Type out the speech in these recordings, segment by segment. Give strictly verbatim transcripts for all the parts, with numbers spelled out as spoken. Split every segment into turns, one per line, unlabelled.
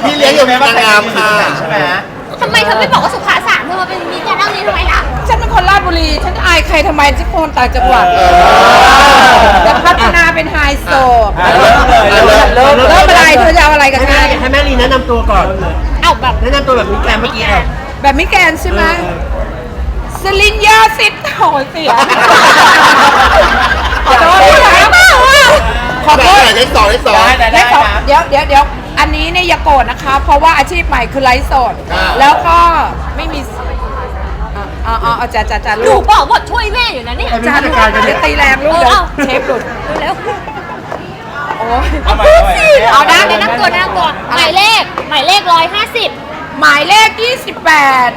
พี่เลี้ยงอยู่ในนางงามค่ะใช่ไหม
ทำไมเธอไม่บอกว่าสุขาสามเธอมาเป็นมีแกนั่งนี้ทำไมล่ะ
ฉันเป็นคนราชบุรีฉันอายใครทำไมฉันคนต่างจังหวัดจะพัฒนาเป็นไฮโซเริ่มอะไรเธอจะเอาอะไรกันแน่
ให้แม่ลีแนะนำตัวก่อน
เอาแบบ
แนะนำตัวแบบมิแกรนเมื่อกี้อ่ะ
แบบมิแกนใช่ไหมสลินยาสิทธิ์โหยเสียขอโทษขอโทษ
เลขสองเลขสอง
เลขสองเดี๋ยวเดี๋ยวเดี๋ยวอันนี้เนี่ยอย่าโกรธนะคะ เพราะว่าอาชีพใหม่คือไลฟ์สดแล้วก็ไม่มีอ๋ออ๋อจ้าจ้าจ้า
หนู
ลูก
บอกว่าช่วยแม่อยู่นะเนี่ย
จ้าลูกจะตีแรงลูกเดี๋ยวเชฟหลุด
เร็ว
โอ้ย
เอาได้ในนั่งตัวนั่งตัวหมายเลขหมายเลขร้อยห้าสิบ
หมายเลขยี่สิบแปด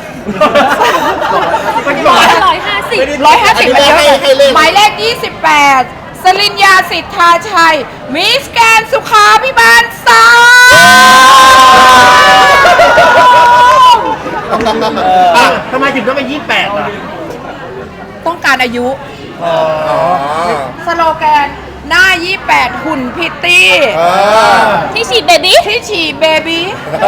ร้อยร้อยห้าสิบ
ร้อยห้าสิบมาเยอะหมายเลขยี่สิบแปดสลินยาสิทธาชัยมิสแกนสุขาพิบาลสาม
ทำไมถึงต้องเป็นยี่สิบแปดล่ะ
ต้องการอายุสโลแกนหน้ายี่สิบแปดหุ่นพิตตี้
ที่ฉีดเบบี้
ที่ฉีดเบบี้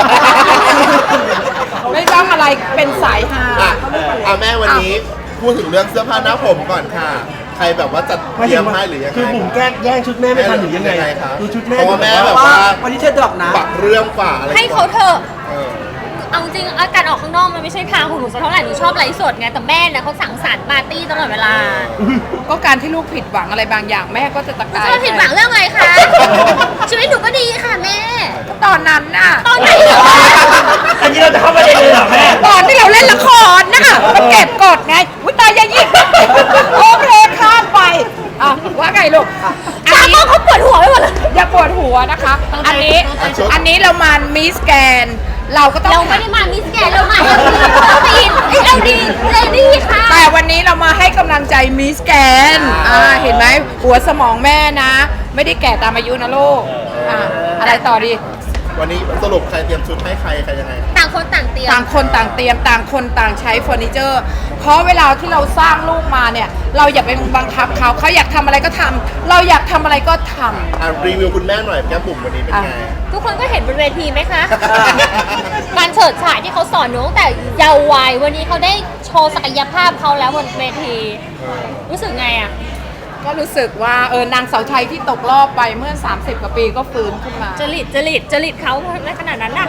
ไม่ต้องอะไรเป็นสายฮา
อ่ะแม่วันนี้พูดถึงเรื่องเสื้อผ้าหน้าผมก่อนค่ะใครแบบว่าจัดเตรียมให้หรือยังไง
คือบุ๋มแก้แย่งชุดแม่ไม่ทันหรือยังไง
ครับ
ดูชุดแม่
เพราะว่าแม่แบบว่า
วันนี้เธอดอกนะ
ปักเรื่องกว่าอะไร
ให้เขาเถอะเอาจริงอาการออกข้างนอกมันไม่ใช่ทางของหนูสักเท่าไหร่หนูชอบไลฟ์สดไงแต่แม่เนี่ยเขาสั่งสรรค์ปาร์ตี้ตลอดเวลา
ก็การที่ลูกผิดหวังอะไรบางอย่างแม่ก็จะตะกาย
จะผิดหวังเรื่องอะไรคะชีวิตหนูก็ดีค่ะแม่
ตอนนั้นน่ะ
ตอนไหนเหรอ
อันนี้เราจะเข้าประเด็นเลยเหรอแม่
ตอนที่เราเล่นละครน่ะมันเก็บกดไงวิตายยายิบโอเคข้ามไปอ่ะว่าไงลูก
อันนี้เขาปวดหัวไปหมดเลย
อย่าปวดหัวนะคะอันนี้อันนี้เรามามิสแกนเราก็ต้อง
เราไม่ได้มามิสแกนเรามาเอลดีเอลดีเอลดีค่ะ
แต่วันนี้เรามาให้กำลังใจมิสแกนอ่าเห็นไหมหัวสมองแม่นะไม่ได้แก่ตามอายุนะลูกอ่าอะไรต่อดี
วันนี้สรุปใครเตรียมชุดให้ใครใครยังไง
ต่างคนต่างเตรียม
ต่างคนต่างเตรียมต่างคนต่างใช้เฟอร์นิเจอร์เพราะเวลาที่เราสร้างลูกมาเนี่ยเราอย่าไปบังคับเขาเขาอยากทำอะไรก็ทำเราอยากทำอะไรก็ทำ
อ่ะรีวิวคุณแม่หน่อยแก้มบุ๋มวันนี้เป็นไง
ทุกคนก็เห็นบนเวทีไหมคะการเฉิดฉายที่เขาสอนหนูตั้งแต่เยาว์วัยวันนี้เขาได้โชว์ศักยภาพเขาแล้วบนเวทีรู้สึกไงอ่ะ
ก็รู้สึกว่าเออนางเสาไทยที่ตกรอบไปเมื่อสามสิบกว่าปีก็ฟื้นขึ้นมา
จริตจริตจริตเขาในขนาดนั้นน่ะ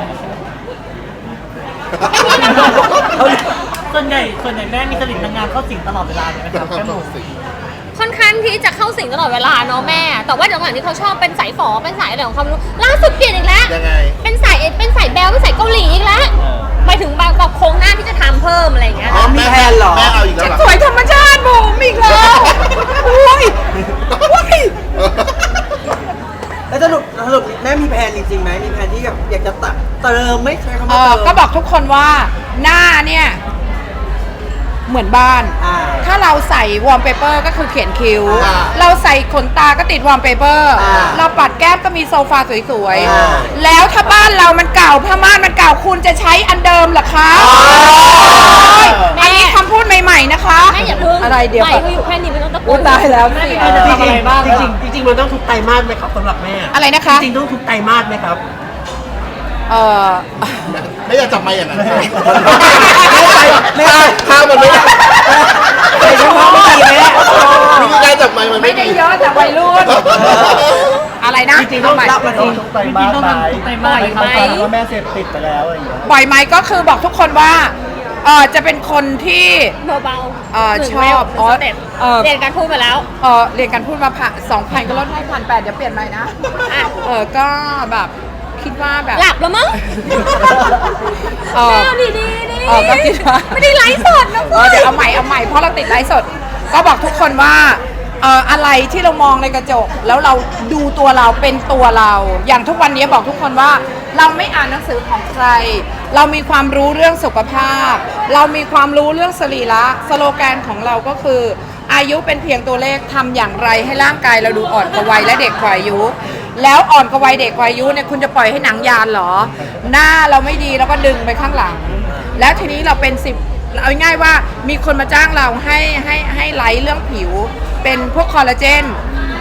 ส่วนใหญ่ส่วนใหญ่แม่มีจริตนางงามเข้าสิงตลอดเวลาเลยนะครับแม่หมู
ค่อนข้างที่จะเข้าสิงตลอดเวลาเนาะแม่แต่ว่าหลังๆที่เขาชอบเป็นสายฝอเป็นสายอะไรของเขาไม่รู้ล่าสุดเปลี่ยนอีกแล้ว
ยังไง
เป็นสายเป็นสายแบลเป็นสายเกาหลีอีกแล้วหมายถึงบางแบบโครงหน้าที่จะทำเพิ่มอะไรอย่างเงี้ย
มีแพนเหรอ
แม่เอาอีกแล้ว
สวยธรรมชาติบุ๋มอีกแล้วโอ้ยโอ้ย
แล้วสรุปสรุปแม่มีแพนจริงๆไหมมีแพนที่แบบอยากจะตัดเติมไม่ใช่คำว่าเติม
ก็บอกทุกคนว่าหน้าเนี่ยเหมือนบ้านถ้าเราใส่วอลเปเปอร์ก็คือเขียนคิ้วเราใส่ขนตาก็ติดวอลเปเปอร์เราปัดแก้มก็มีโซฟาสวยๆแล้วถ้าบ้านเรามันเก่าผ้าม่านมันเก่าคุณจะใช้อันเดิมหรอคะอันนี้คำพูดใหม่ๆนะคะ
แม่อย่าพึ่ง
อะไรเดี๋ยว
ใหม่ก็อยู่แค่นี้ไม่ต้องตะโกน
ตายแล้ว
จริงจริงจริงจริงมันต้องทุกไตรมาสไหมครับสำหรับแม่
อะไรนะคะ
จริงต้องทุกไตรมาสไหมครับ
เออ
ไม่อยากจับไม้อย่างนั้น
ไม่ได้
ข้าวมันไม่ได้
ไม่ใช่เพราะไม่ดีแม่
วิธีการจับไม้มัน
ไม่ได้เยอะแต่วัยรุ่นอะไรนะ
จริงต้องรับมาทุกไตรมาสไป
บ่อยไหม
ว่าแม่เสพติดไปแล้วอะไรอย่างเงี้ย
บ่อยไหมก็คือบอกทุกคนว่าเออจะเป็นคนที่
เบาๆ
เออชอบ
อ๋อเรียนการพูดมาแล้ว
เออเรียนการพูดมาผ่าสองพันก็ลดให้พันแปดเดี๋ยวเปลี่ยนใหม่นะเออก็แบบคิดว่าแบบ
หลับแล้วมั้ง
เออ
ดีดีดี
เออก็คิดว่า
ไม่ได้ไลฟ์สดนะ
เออเดี๋ยวเอาใหม่เอาใหม่เพราะเราติดไลฟ์สดก็บอกทุกคนว่าเอ่ออะไรที่เรามองในกระจกแล้วเราดูตัวเราเป็นตัวเราอย่างทุกวันนี้บอกทุกคนว่าเราไม่อ่านหนังสือของใครเรามีความรู้เรื่องสุขภาพเรามีความรู้เรื่องสรีระสโลแกนของเราก็คืออายุเป็นเพียงตัวเลขทำอย่างไรให้ร่างกายเราดูอ่อนกว่าวัยและเด็กกว่าอายุแล้วอ่อนกว่าวัยเด็กกว่าอายุเนี่ยคุณจะปล่อยให้หนังยานเหรอหน้าเราไม่ดีแล้วก็ดึงไปข้างหลังแล้วทีนี้เราเป็นสิบเอาง่ายว่ามีคนมาจ้างเราให้ให้ให้ไลฟ์เรื่องผิวเป็นพวกคอลลาเจน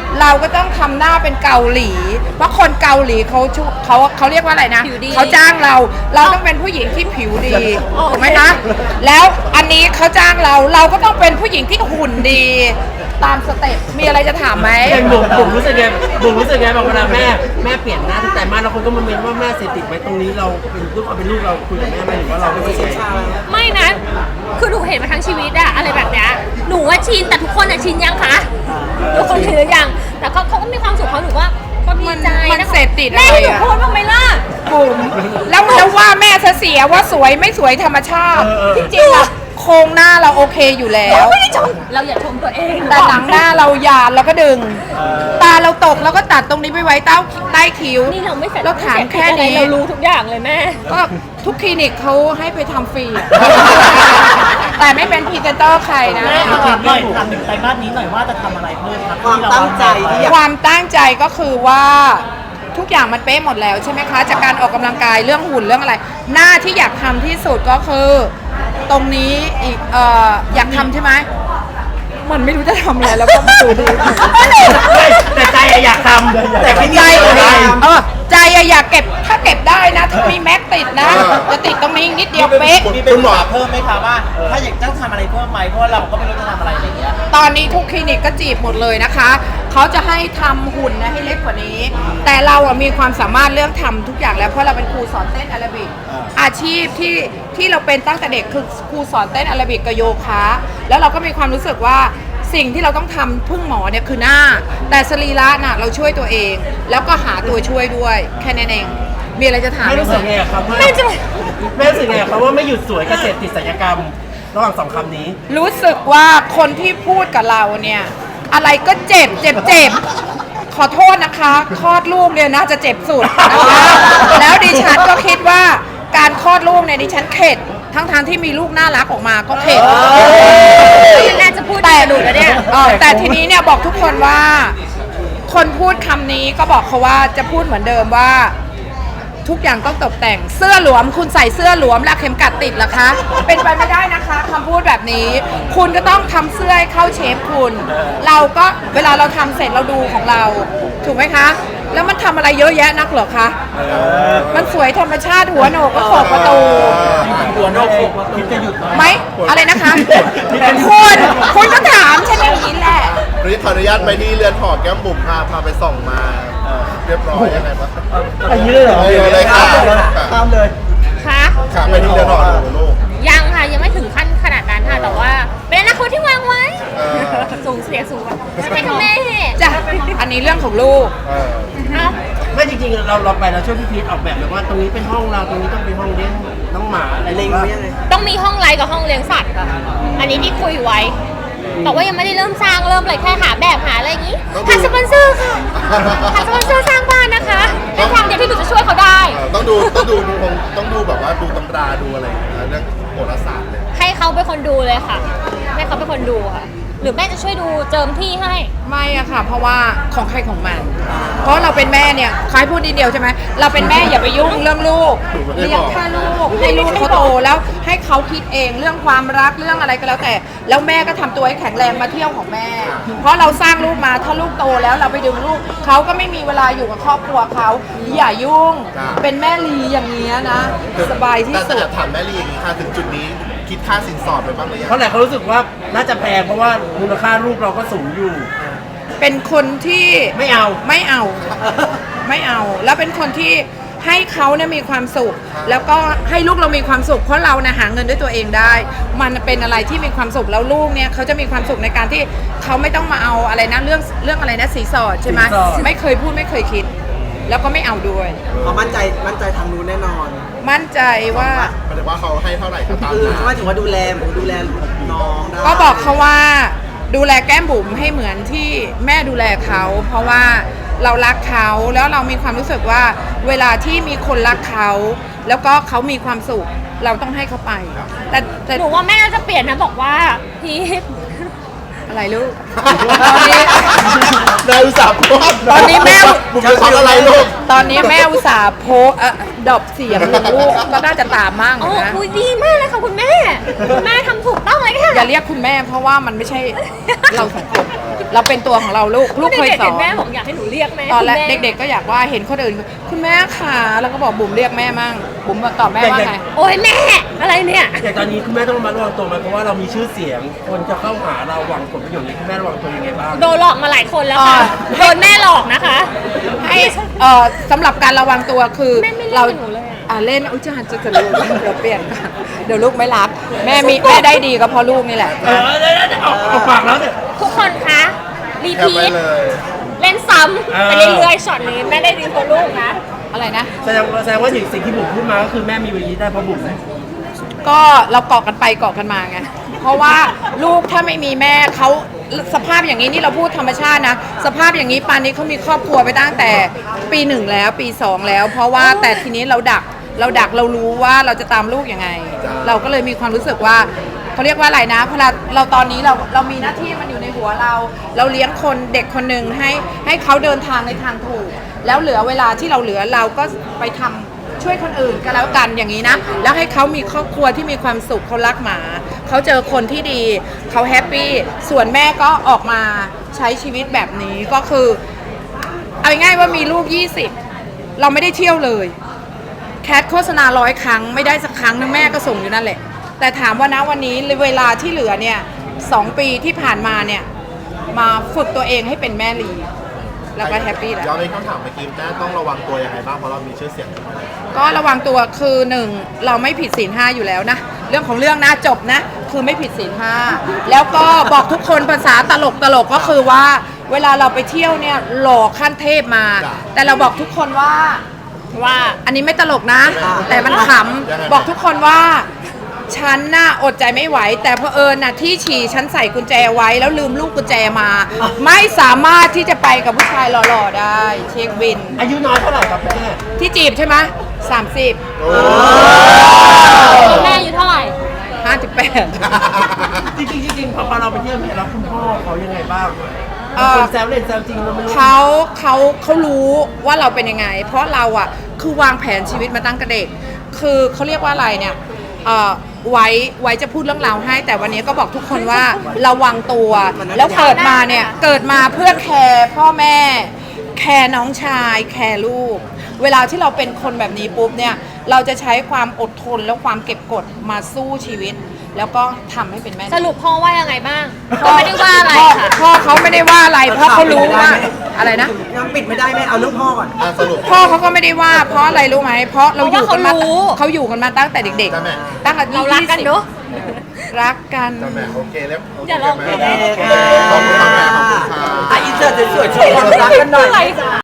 เราก็ต้องทำหน้าเป็นเกาหลี เพราะคนเกาหลีเขาชุเขาเขาเรียกว่าอะไรนะ
ผิวดี
เขาจ้างเรา เราต้องเป็นผู้หญิงที่ผิวดี
โอเค
ถูกไหมคะแล้วอันนี้เขาจ้างเราเราก็ต้องเป็นผู้หญิงที่หุ่นดี ตามสเต็ปมีอะไรจะถามไหม
เป็นบุ๋มบุ๋มรู้สึกไงบุ๋มรู้สึกไงบางเวลาแม่แม่เปลี่ยนหน้าทุกแต่มาแล้วคนก็มาเมนว่าแม่เสพติดไว้ตรงนี้เราเป็นลูกความเป็นลูกเราคุยกับแม่ไหมหรือว่าเราไม่ได้ใช้
ไม่นะ คือหนูเห็นมาทั้งชีวิตอะอะไรแบบเนี้ยหนูว่าชินแต่ทุกคนอะชินยังคะทุกคนชินหรือยัง แต่เขาเขาก็มีความสุขเขาหนูว่าก็ดีใจ
มัน
นะ
เสพติด
แม่ให้หนู
อะไรอะ
พูดบ้างไหมล่ะ
บุ๋มแล้วแล้วว่าแม่เสียว่าสวยไม่สวยธรรมชาติ จริงๆอะโครงหน้าเราโอเคอยู่แล้ว
ไม่ได้ชมเราอย่าชมตัวเอง
แต่หนังหน้าเราหยาดเราก็ดึง ตาเราตกเราก็ตัดตรงนี้ไปไว้ใต้ใต้คิ้ว
นี่เราไม่เสร็จ
เราถามแค่นี้
เรารู้ทุกอย่างเลยแม่
ก็ทุกคลินิกเขาให้ไปทำฟรีอะ แต่ไม่เป็นพรีเซนเตอร์ใครนะ
แม่ถามหน่อยถามถึงไตรมาสนี้หน่อยว่าจะทำอะไรเพิ่มครับ
ความตั้งใจที่อยาก
ความตั้งใจก็คือว่าทุกอย่างมันเป๊ะหมดแล้วใช่ไหมคะ จากการออกกำลังกายเรื่องหุ่นเรื่องอะไร หน้าที่อยากทำที่สุดก็คือ ตรงนี้อีกเอ่ออยากทำใช่ไหมมันไม่รู้จะทำอะไรแล้วก็มาดูดี
แต่ใจอะอยากทำแต่ไม่
ใจ
ได้
เออใจอะอยากเก็บถ้าเก็บได้นะถ้ามีแม็กติดนะ จะติดตรงนี้อีกนิดเดียวเป๊ะ
คุณคุณหมอ
เพิ่มไหมคะว่า ถ้าอยากจะทำอะไรเพิ่มไหมเพราะว่าเราก็ไม่รู้จะทำอะไรอะไรอย่างเงี้ย
ตอนนี้ทุกคลินิกก็จีบหมดเลยนะคะ เขาจะให้ทำหุ่นนะให้เล็กกว่านี้ แต่เราอะมีความสามารถเรื่องทำทุกอย่างแล้ว เพราะเราเป็นครูสอนเต้นแอโรบิก อาชีพที่ที่เราเป็นตั้งแต่เด็กคือครูสอนเต้นแอโรบิกกับโยคะ แล้วเราก็มีความรู้สึกว่าสิ่งที่เราต้องทำพึ่งหมอเนี่ยคือหน้า แต่สรีระน่ะเราช่วยตัวเอง แล้วก็หาตัวช่วยด้วย แค่นั้นเอง มีอะไรจะถาม
ไม่
ไหม
รู้สึกไงกับคำว่า
ไม่จะ
แม่รู้สึกไงกับคำว่าไม่หยุดสวยกับเสพติดศัลยกรรม ระหว่างสองคำนี้
รู้สึกว่าคนที่พูดกับเราเนี่ย อะไรก็เจ็บเจ็บเจ็บขอโทษนะคะคลอดลูกเนี่ยน่าจะเจ็บสุดนะคะแล้วดิฉันก็คิดว่าการคลอดลูกเนี่ยดิฉันเข็ดทั้งทางๆที่มีลูกน่ารักออกมาก็เข็ด
มันน่าจะพูดแต่หนูแล้วเนี่ย
เออแต่ทีนี้เนี่ยบอกทุกคนว่า คนพูดคำนี้ก็บอกเขาว่าจะพูดเหมือนเดิมว่า ทุกอย่างต้องตกแต่งเสื้อหลวมคุณใส่เสื้อหลวมแล้วเข็มกัดติดเหรอคะ เป็นไปไม่ได้นะคะคำพูดแบบนี้ คุณก็ต้องทำเสื้อให้เข้าเชฟคุณ เราก็เวลาเราทำเสร็จเราดูของเรา ถูกไหมคะ แล้วมันทำอะไรเยอะแยะนักเหรอคะมันสวยธรรมชาติหัวโหนกก็ขอบประตู
หัวโนกคิดจะหยุดไหม
ไหมอะไรนะคะคุณคุณก็ถามฉันอย่างนี้แหละ
วันนี้ขออนุญาตไปที่เรือนหอแก้มบุ๋มพาพาไปส่องมาเรียบร้อยยังไงบ้าง
อันนี้เลยเหรอ
เอาเลยค่ะ
ตามเลย
คะ
ค่ะไปที่เรือนหอดูลูก
ยังค่ะ ยังไม่ถึงขั้นขนาดนั้นค่ะ แต่ว่า เป็นอนาคตที่วางไว้
เออ
สูงเสียสูงใช่ไหมคะแม่
จ้ะอันนี้เรื่องของลูก
เออ
เอ้า
ไม่จริงๆเราเราไปเราช่วยพี่พีทออกแบบแบบว่าตรงนี้เป็นห้องเราตรงนี้ต้องเป็นห้องเลี้ยงน้องหมาอะไรเล็งไว้ยังไง
ต้องมีห้องไลฟ์กับห้องเลี้ยงสัตว์ค่ะ อันนี้ที่คุยไว้ แต่ว่ายังไม่ได้เริ่มสร้างเริ่มเลยแค่หาแบบหาอะไรอย่างนี้ หาสปอนเซอร์ค่ะ หาสปอนเซอร์สร้างบ้านนะคะเป็นทางเดียวที่หนูจะช่วยเขาได้
เออต้องดูต้องดูดูคงต้องดูแบบว่าดูตำราดูอะไรอย่างเงี้ยเรื่องโหราศาสตร์เลย
ให้เขาเป็นคนดูเลยค่ะ ให้เขาเป็นคนดูค่ะ หรือแม่จะช่วยดูเจิมที่ให้
ไม่อะค่ะ เพราะว่าของใครของมัน เพราะเราเป็นแม่เนี่ยคล้ายพูดนิดเดียวใช่ไหมเราเป็นแม่อย่าไปยุ่งเรื่องลูกเลี้ยงแค่ลูกให้ลูกเขาโตแล้วให้เขาคิดเองเรื่องความรักเรื่องอะไรก็แล้วแต่ แล้วแม่ก็ทำตัวให้แข็งแรงมาเที่ยวของแม่ เพราะเราสร้างลูกมาถ้าลูกโตแล้วเราไปดึงลูกเขาก็ไม่มีเวลาอยู่กับครอบครัวเขาอย่ายุ่ง เป็นแม่ลีอย่างเงี้ยนะ สบายที่
แต่
สุด
แต่ถามแม่ลีอย่างนี้ค่ะถึงจุดนี้คิดค่าสินสอดไปบ้างหรือยัง
เพราะหลายคนรู้สึกว่าน่าจะแพงเพราะว่ามูลค่าลูกเราก็สูงอยู่
เป็นคนที่
ไม่เอา
ไม่เอา ไม่เอา แล้วเป็นคนที่ให้เขาเนี่ยมีความสุข แล้วก็ให้ลูกเรามีความสุข เพราะเรานะหาเงินด้วยตัวเองได้ มันเป็นอะไรที่มีความสุขแล้วลูกเนี่ยเขาจะมีความสุขในการที่เขาไม่ต้องมาเอาอะไรนะเรื่องเรื่องอะไรนะสีสอดใช่ไหม
สินสอด
ไม่เคยพูดไม่เคยคิด แล้วก็ไม่เอาด้วย
เขามั่นใจมั่นใจทางนู้นแน่นอน
มั่นใจว่า
หมายถึงว่าเขาให้เท่าไหร่ก็ตาม
คือ
นั้น
เขาหมายถึงว่าดูแลเหมือนดูแลน้องได้
ก็บอกเขาว่าดูแลแก้มบุ๋มให้เหมือนที่แม่ดูแลเขา เพราะว่าเรารักเขาแล้วเรามีความรู้สึกว่า เวลาที่มีคนรักเขา แล้วก็เขามีความสุข เราต้องให้เขาไป แต่แต่
หนูว่าแม่จะเปลี่ยนนะบอกว่าพีท
อะไรลูก ตอนนี้
นายอุตส่าห์โพสต์
ตอนนี้แม่
บุ๋มจะช็อตอะไรลูก
ตอนนี้แม่อุตส่าห์โพสต์เอ่อดรอปเสียงลูกก็น่าจะตามมั่ง
โอ้
นะ
คุยดีมากเลยค่ะคุณแม่ คุณแม่ทำถูกต้องเลยค่ะ
อย่าเรียกคุณแม่เพราะว่ามันไม่ใช่เราสองคน เราเป็นตัวของเราลูก ลูกเคย
เด็กๆ
สอ
เห็
น
นแม่บอกอยากให้หนูเรียกแม่
ตอนแรก
คุณม่
เด็กๆก็อยากว่าเห็นคนอื่นคุณแม่ค่ะแล้วก็บอกบุ๋มเรียกแม่มั่งบุ๋มตอบแม่ว่าไง
โอ้ยแม่ อะไรเนี่ย
แต่ตอนนี้คุณแม่ต้องระมัดระวังตัวไหมเพราะว่าเรามีชื่อเสียง คนจะเข้าหาเราหวังผลประโยชน์นี้คุณแม่ระวังตัวยังไงบ้าง
โดนหลอกมาหลายคนแล้วค่ะ
อ่า
โดนแม่หลอกนะคะ
ให้เอ่อสำหรับการระวังตัวคือ
แม่ไม่เล่น
เรา
กับหนูเลยอะ
อ่าเล่นอุ้ยจะหันจะจะลูกเดี๋ยวเปลี่ยนกันเดี๋ยวลูกไม่รับ แม่มีแม่ได้ดีก็เพราะลูกนี่แหละ
เออเดี๋ยวเดี๋ยวเอาเอาปากแล้วเนี่ย
ทุกคนคะ รี
แคป
พี
ไว้
ท
เลย
เล่นซ้
เออ
ำไปเรื่อยๆช็อตนี้แม่ได้ดีกว่าลูกนะ
อะไรนะ
แสดงว่าแสดงว่าสิ่งสิ่งที่บุ๋มพูดมาก็คือแม่มีวันนี้ได้เพราะบุ๋ม
ก็เราเกาะกันไปเกาะกันมาไง เพราะว่าลูกถ้าไม่มีแม่เขาสภาพอย่างนี้นี่เราพูดธรรมชาตินะ สภาพอย่างนี้ปานนี้เขามีครอบครัวไปตั้งแต่ปีหนึ่งแล้วปีสองแล้ว เพราะว่าแต่ทีนี้เราดักเราดักเรารู้ว่าเราจะตามลูกยังไง เราก็เลยมีความรู้สึกว่าเขาเรียกว่าอะไรนะพอเราเราตอนนี้เราเรามีหน้าที่มันอยู่ในหัวเรา เราเลี้ยงคนเด็กคนหนึ่งให้ให้เขาเดินทางในทางถูก แล้วเหลือเวลาที่เราเหลือเราก็ไปทำ ช่วยคนอื่นก็แล้วกันอย่างนี้นะ แล้วให้เขามีครอบครัวที่มีความสุขเขารักหมา เขาเจอคนที่ดีเขาแฮปปี้ส่วนแม่ก็ออกมาใช้ชีวิตแบบนี้ก็คือเอาง่ายๆว่ามีลูกยี่สิบเราไม่ได้เที่ยวเลยแคทโฆษณาร้อยครั้งไม่ได้สักครั้งนึงแม่ก็ส่งอยู่นั่นแหละแต่ถามว่านะวันนี้เวลาที่เหลือเนี่ยสองปีที่ผ่านมาเนี่ยมาฝึกตัวเองให้เป็นแม่ลีแล้วก็แฮปปี้แล้ว
ย้อนไปคำถามเมื่อกี้แม่ต้องระวังตัวยังไงบ้างเพราะเรามีชื่อเสียง
ก็ระวังตัวคือหนึ่งเราไม่ผิดศีลห้าอยู่แล้วนะเรื่องของเรื่องนะจบนะคือไม่ผิดศีลห้าแล้วก็บอกทุกคนภาษาตลกตลกก็คือว่าเวลาเราไปเที่ยวเนี่ยหล่อขั้นเทพมา แต่เราบอกทุกคนว่าว่าอันนี้ไม่ตลกนะ แต่มันขำบอกทุกคนว่าฉันน่ะอดใจไม่ไหว แต่เผอิญน่ะที่ฉี่ฉันใส่กุญแจไว้แล้วลืมลูกกุญแจมา ไม่สามารถที่จะไปกับผู้ชายหล่อๆได้เช็คบิน
อายุน้อยเท่าไหร่ครับแม่
ที่จีบใช่ไหมสามสิบ
แม่อายู่เท่าไหร่
ห้าสิบแปด
จริงๆจริงๆพอเราไปเที่ยวเนี่ยแล้วคุณพ่อเขายังไงบ้าง
เอ่อ
คนแซวเล่นแซวจริงเราไม่รู้
เขาเขาเขารู้ว่าเราเป็นยังไง เพราะเราอ่ะคือวางแผนชีวิตมาตั้งแต่เด็ก คือเขาเรียกว่าอะไรเนี่ยเอ่อไว้ไว้จะพูดเรื่องราวให้ แต่วันนี้ก็บอกทุกคนว่าระวังตัว แล้วเกิดมาเนี่ยเกิดมาเพื่อแคร์พ่อแม่ แคร์น้องชาย แคร์ลูก เวลาที่เราเป็นคนแบบนี้ปุ๊บเนี่ยเราจะใช้ความอดทนและความเก็บกดมาสู้ชีวิต แล้วก็ทำให้เป็นแม่
สรุปพ่อว่ายังไงบ้างพ่อไม่ได้ว่าอะไร
พ่
ค่ะ
พ่อเขาไม่ได้ว่าอะไรเพราะเขารู้ว่าอะไรนะ
ยังปิดไม่ได้แม่เอาเรื่องพ่อก่อน
อ่ะสรุป
พ่อเขาก็ไม่ได้ว่าเพราะอะไรรู้ไหมเพราะเราอยู่กันมา
เพราะว่าเขารู้
เขาอยู่กันมาตั้งแต่เด็ก
จ้ะแม่
ๆตั้งแต่
เรารักกันเนอะ
รักกัน
จ้าแม่โอเคแล้วโอเค
อย่าลอง
แม่ขอบคุณค่ะแม่ขอบคุณค่ะ
อ่ะอินเสิร์ตสวยๆโชว์ความรักกันหน่อย
อะไร